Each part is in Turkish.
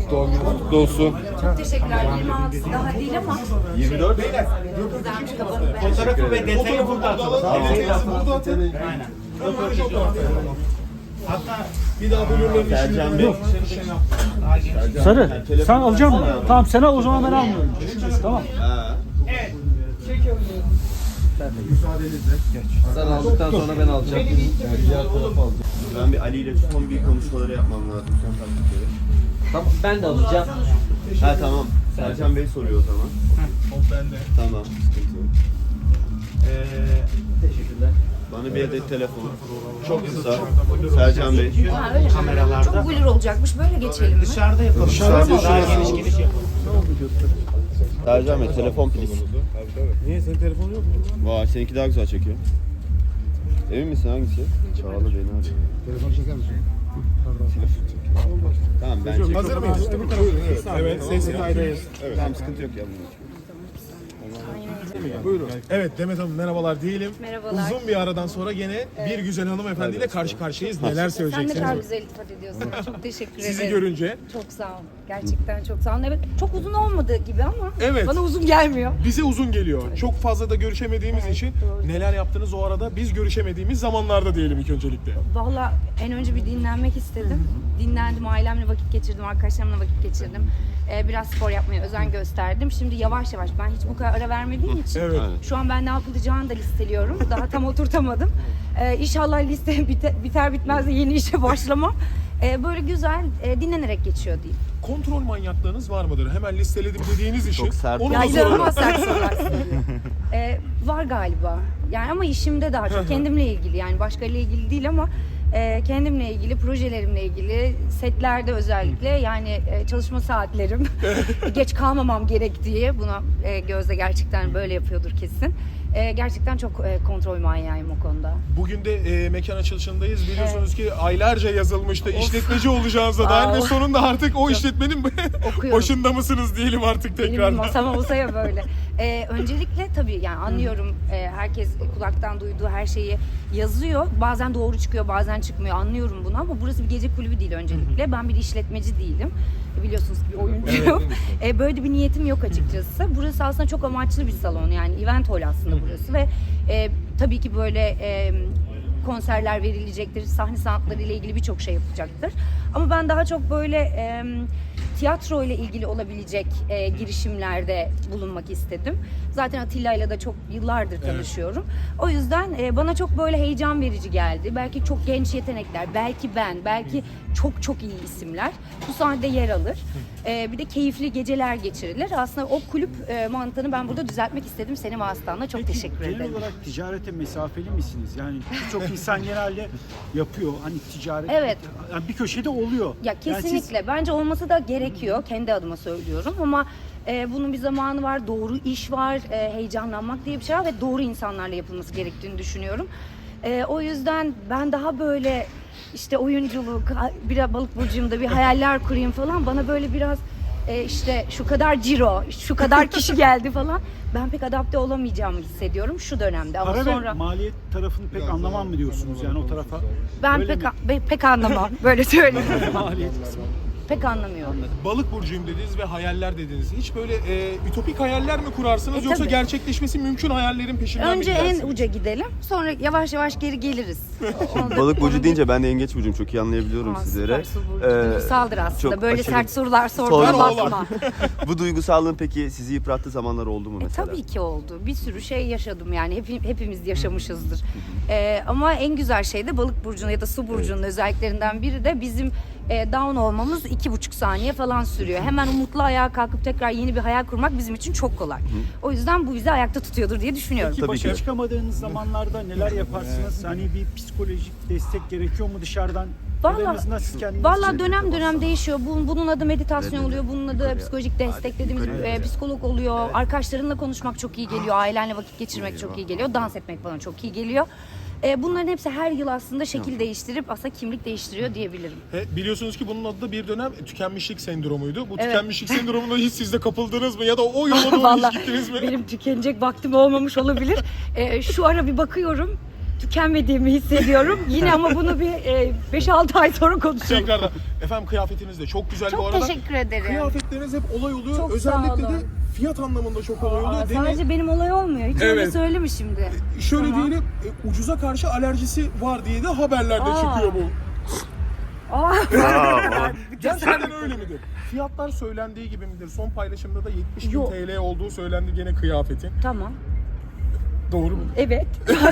Doğum günü kutlu olsun. Çok teşekkürler. 26 daha değil ama 24. güzelmiş kafanı ben. Fotoğrafı ve detayı burada atalım. Aynen. Hatta Bir daha bölümlerin Sercan Bey. Sarı, sen alacak mısın? Tamam, sen al, o zaman ben almıyorum. Tamam. evet. Çekiyorum. Sen aldıktan sonra ben alacağım. Ben bir Ali ile son bir konuşmaları yapmam lazım. Son taktikleri. Tamam, ben de alacağım. Ha tamam. Sercan Bey soruyor o zaman. Tamam. Sıkıntı yok. Teşekkürler. Bana bir adet telefon. Çok kısa. Sercan Bey. Ha, öyle mi? Kameralarda. Çok blur olacakmış. Böyle geçelim mi? Dışarıda yapalım. Dışarıda Daha yapalım. geniş geniş yapalım. Sercan Bey telefon please. Niye senin telefonun yok mu? Vay seninki daha güzel çekiyor. Emin misin hangisi? Çağla beni arıyor. Telefonu çeker misin? Telefon çekiyor. Tamam ben çekiyorum. Hazır mıyız? Evet, ses kaydayız. Tamam sıkıntı yok ya bunun için. Buyurun. Evet Demet Hanım merhabalar diyelim. Merhabalar. Uzun bir aradan sonra gene bir güzel hanımefendiyle karşı karşıyayız. Neler Sen ne söyleyeceksiniz? kadar güzel ifade ediyorsun. Çok teşekkür ederim. Sizi görünce Çok sağ ol. Gerçekten çok sağ ol. Evet, çok uzun olmadığı gibi ama Evet. bana uzun gelmiyor. bize uzun geliyor. Çok fazla da görüşemediğimiz Evet, için doğru. neler yaptınız o arada biz görüşemediğimiz zamanlarda diyelim ilk öncelikle. Valla en önce bir dinlenmek istedim. Dinlendim, ailemle vakit geçirdim, arkadaşlarımla vakit geçirdim. Biraz spor yapmaya özen gösterdim. Şimdi yavaş yavaş, ben hiç bu kadar ara vermediğim için Evet. şu an ben ne yapılacağını da listeliyorum. Daha tam oturtamadım. İnşallah liste biter bitmez de yeni işe başlamam. Böyle güzel dinlenerek geçiyor diyeyim. Kontrol manyaklığınız var mıdır? Hemen listeledim dediğiniz için. Çok sert. Onu Ya da soralım. inanılmaz sert sorarsın. Var galiba. Yani ama işimde daha çok kendimle ilgili, yani başkalarıyla ilgili değil ama kendimle ilgili, projelerimle ilgili, setlerde özellikle, yani çalışma saatlerim, geç kalmamam gerektiği, buna Gözde gerçekten böyle yapıyordur kesin. Gerçekten çok kontrol manyağıyım o konuda. Bugün de mekan açılışındayız. Biliyorsunuz ki aylarca yazılmıştı. İşletmeci olacağınıza dair ve sonunda artık o işletmenin Okuyorum. başında mısınız diyelim artık Benim tekrar. masam olsa ya böyle. Öncelikle tabii yani anlıyorum, herkes kulaktan duyduğu her şeyi yazıyor. Bazen doğru çıkıyor, bazen çıkmıyor. Anlıyorum bunu ama burası bir gece kulübü değil öncelikle. Ben bir işletmeci değilim. Biliyorsunuz bir oyuncuyum. Böyle bir niyetim yok açıkçası. Burası aslında çok amaçlı bir salon, yani event hall aslında burası ve tabii ki böyle konserler verilecektir, sahne sanatları ile ilgili birçok şey yapacaktır. Ama ben daha çok böyle tiyatro ile ilgili olabilecek girişimlerde bulunmak istedim. Zaten Atilla ile de çok yıllardır tanışıyorum. O yüzden bana çok böyle heyecan verici geldi. Belki çok genç yetenekler, belki ben, belki çok çok iyi isimler bu sahnede yer alır. Bir de keyifli geceler geçirilir. Aslında o kulüp mantığını ben burada düzeltmek istedim senin vasıtanla. Çok teşekkür Genel ederim. olarak ticarete mesafeli misiniz? Yani birçok insan genelde yapıyor. Hani ticaret Evet. yani bir köşede oluyor. Ya Yani siz- kesinlikle. Bence olması da gerekiyor. Kendi adıma söylüyorum ama bunun bir zamanı var. Doğru iş var. Heyecanlanmak diye bir şey var ve doğru insanlarla yapılması gerektiğini düşünüyorum. O yüzden ben daha böyle işte oyunculuk, bir balık burcuyumda bir hayaller kurayım falan. Bana böyle biraz işte şu kadar ciro, şu kadar kişi geldi falan. Ben pek adapte olamayacağımı hissediyorum şu dönemde ama Para sonra ve maliyet tarafını pek anlamam mı diyorsunuz yani o tarafa? ben Öyle pek anlamam. Böyle söyleyeyim. maliyet kısmı. Pek anlamıyorum. Balık burcuyum dediniz ve hayaller dediniz. Hiç böyle ütopik hayaller mi kurarsınız yoksa tabii. gerçekleşmesi mümkün hayallerin peşinden Önce mi en gidersiniz? uca gidelim. Sonra yavaş yavaş geri geliriz. Balık burcu deyince ben de yengeç burcuyum. Çok iyi anlayabiliyorum sizlere. Duygusaldır aslında. çok Böyle aşırı- sert sorular sorduğuna Sorma. bakma. Bu duygusallığın peki sizi yıprattığı zamanlar oldu mu mesela? Tabii ki oldu. Bir sürü şey yaşadım yani. Hepimiz yaşamışızdır. Ama en güzel şey de balık burcunun ya da su burcunun özelliklerinden biri de bizim down olmamız 2,5 saniye falan sürüyor. Hemen umutlu ayağa kalkıp tekrar yeni bir hayal kurmak bizim için çok kolay. O yüzden bu bizi ayakta tutuyordur diye düşünüyorum. Peki Tabii başa ki. çıkamadığınız zamanlarda neler yaparsınız? Hani bir psikolojik destek gerekiyor mu dışarıdan? Ya da en azından siz kendiniz Valla için- dönem dönem değişiyor. Bunun adı meditasyon oluyor, bunun adı psikolojik destek dediğimiz psikolog oluyor. Arkadaşlarınla konuşmak çok iyi geliyor, ailenle vakit geçirmek çok iyi geliyor, dans etmek bana çok iyi geliyor. Bunların hepsi her yıl aslında şekil değiştirip aslında kimlik değiştiriyor diyebilirim. Biliyorsunuz ki bunun adı da bir dönem tükenmişlik sendromuydu. Bu Evet. tükenmişlik sendromuna hiç siz de kapıldınız mı ya da o yola doğru Vallahi hiç gittiniz mi? benim tükenecek vaktim olmamış olabilir. Şu ara bir bakıyorum. tükenmediğimi hissediyorum. Yine ama bunu bir 5-6 ay sonra konuşalım. Tekrardan. Efendim kıyafetiniz de çok güzel bu Çok arada. teşekkür ederim. Kıyafetleriniz hep olay oluyor. Çok sağ Özellikle de olun. fiyat anlamında çok olay oluyor. Değil mi? Sadece benim olay olmuyor. Hiç öyle Evet. söyleme şimdi. Şöyle Tamam. diyelim, ucuza karşı alerjisi var diye de haberlerde Aa. çıkıyor bu. Aa, Gerçekten öyle midir? Fiyatlar söylendiği gibi midir? Son paylaşımda da 70.000 Yok. TL olduğu söylendi gene kıyafetin. tamam. Doğru mu? Evet.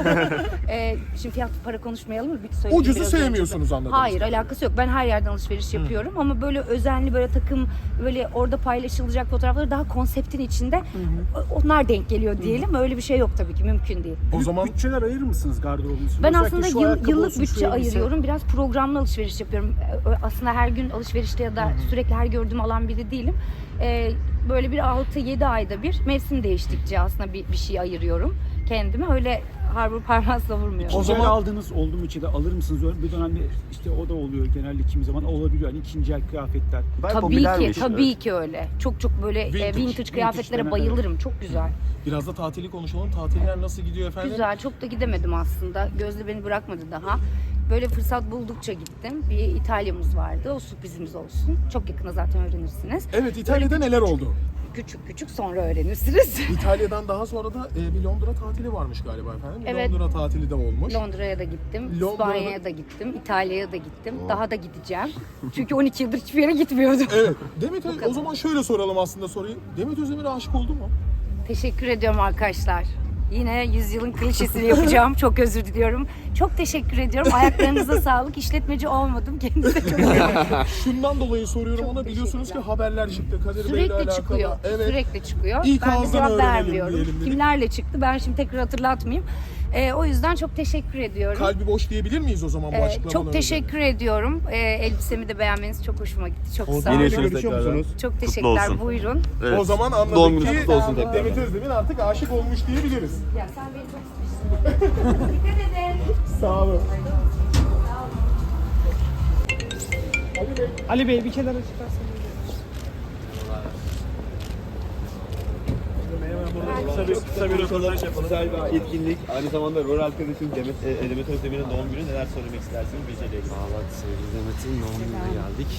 Şimdi fiyat para konuşmayalım mı? Bir söyleyeyim Ucuzu biraz sevmiyorsunuz önce. anladığım Hayır, alakası yok. Ben her yerden alışveriş yapıyorum ama böyle özenli böyle takım böyle orada paylaşılacak fotoğrafları daha konseptin içinde onlar denk geliyor diyelim. Öyle bir şey yok tabii ki, mümkün değil. O zaman bütçeler ayırır mısınız gardırobunuz? Ben Özellikle aslında şu ayakkabı yıllık olsun, şu bütçe elbise. ayırıyorum. Biraz programlı alışveriş yapıyorum. Aslında her gün alışverişte ya da sürekli her gördüğüm alan biri değilim. Böyle bir 6-7 ayda bir mevsim değiştikçe aslında bir şey ayırıyorum kendime. Öyle harbur parmağı savurmuyorum. O O zaman- zaman aldığınız oldu mu içinde alır mısınız? Öyle bir dönemde işte o da oluyor genelde kimi zaman olabiliyor. Hani ikinci el kıyafetler. Tabii ki öyle. Çok böyle vintage kıyafetlere denen, bayılırım. Çok güzel. biraz da tatili konuşalım. Tatiller nasıl gidiyor efendim? Güzel. Çok da gidemedim aslında. Gözde beni bırakmadı daha. Böyle fırsat buldukça gittim. Bir İtalya'mız vardı. O sürprizimiz olsun. Çok yakında zaten öğrenirsiniz. Evet, İtalya'da Böyle neler oldu? Küçük sonra öğrenirsiniz. İtalya'dan daha sonra da bir Londra tatili varmış galiba efendim. Evet. Londra tatili de olmuş. Londra'ya da gittim, Londra'da- İspanya'ya da gittim, İtalya'ya da gittim. Daha da gideceğim. Çünkü 12 yıldır hiçbir yere gitmiyordum. Evet. Demet o zaman şöyle soralım aslında soruyu. Demet Özdemir'e aşık oldu mu? Teşekkür ediyorum arkadaşlar. Yine yüzyılın klişesini yapacağım. Çok özür diliyorum. Çok teşekkür ediyorum. Ayaklarınıza sağlık. İşletmeci olmadım. Kendinize çok iyi bakın. Şundan dolayı soruyorum Çok ona, biliyorsunuz ki teşekkürler. haberler çıktı Kadir Bey'le alakalı. Sürekli çıkıyor. Evet. Sürekli çıkıyor. İlk Ben de ağızdan cevap öğrenelim vermiyorum. diyelim dedik. Kimlerle çıktı? Ben şimdi tekrar hatırlatmayayım. O yüzden çok teşekkür ediyorum. Kalbi boş diyebilir miyiz o zaman bu açıklamanın? Çok teşekkür ediyorum. Elbisemi de beğenmeniz çok hoşuma gitti. Çok sağ Yine olun. görüşürüz Görüşüyor tekrardan. musunuz? Çok Kutlu teşekkürler. olsun. Buyurun. Evet. O zaman Doğum anladık gününüz ki kutlu olsun Sağ olun. Demet Özdemir artık aşık olmuş diyebiliriz. Ya sen beni çok sıkıştırdın. Dikkat edin. Sağ olun. Ali Bey bir kenara çıkarsanız. Kısa bir röportaj yapalım. Güzel bir etkinlik. Aynı zamanda rol arkadaşım Demet Özdemir'in doğum günü. Neler söylemek istersiniz Bece'yle ilgili? Valla sevgili Demet'in doğum gününe geldik.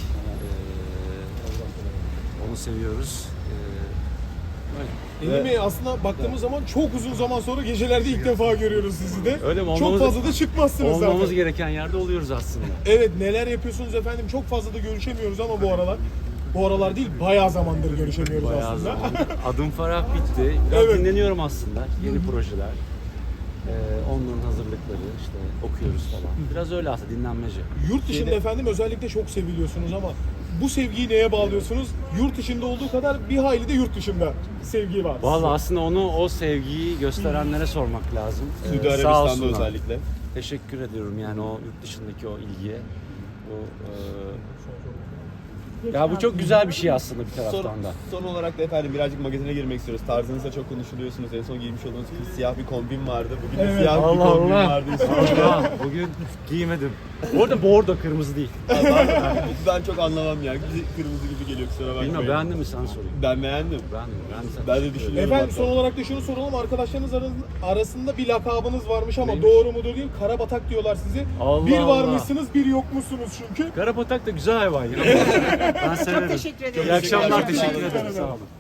Onu seviyoruz. Değil mi? Aslında baktığımız zaman çok uzun zaman sonra gecelerde ilk defa görüyoruz sizi de. Öyle mi? Çok fazla da çıkmazsınız Olmamız zaten. gereken yerde oluyoruz aslında. Evet, neler yapıyorsunuz efendim? Çok fazla da görüşemiyoruz ama bu aralar. Bu aralar değil, bayağı zamandır görüşemiyoruz Bayağı aslında. zaman. Adım Farah bitti. Biraz Evet. dinleniyorum aslında. Yeni projeler. Onların hazırlıkları işte okuyoruz falan. Biraz öyle aslında dinlenmece. Yurt dışında efendim özellikle çok seviliyorsunuz ama bu sevgiyi neye bağlıyorsunuz? Yurt dışında olduğu kadar bir hayli de yurt dışında sevgi var. Valla aslında o sevgiyi gösterenlere sormak lazım. Suudi Sağ Arabistan'da olsunlar. özellikle. Teşekkür ediyorum yani o yurt dışındaki o ilgiye. Ya bu çok güzel bir şey aslında bir taraftan da. Son olarak da efendim birazcık magazine girmek istiyoruz. Tarzınızda çok konuşuluyorsunuz. En son giymiş olduğunuz siyah bir kombin vardı. Bugün de siyah bir Allah kombin Allah. vardı. Allah, bugün giymedim. Bu arada bordo kırmızı değil. Ben çok anlamam ya. Kırmızı gibi geliyor, kusura bakmayın. Bilmiyorum beğendin mi sen sorayım. Ben beğendim. Beğendim. Ben de düşünüyorum. Efendim hatta. son olarak da şunu soralım. Arkadaşlarınız arasında bir lakabınız varmış ama Neymiş? doğru mudur değil. Karabatak diyorlar sizi. Allah bir Allah. varmışsınız, bir yokmuşsunuz çünkü. Karapatak da güzel hayvan ya. Ben severim. Teşekkür ederim. İyi akşamlar, teşekkür ederim. Sağ olun.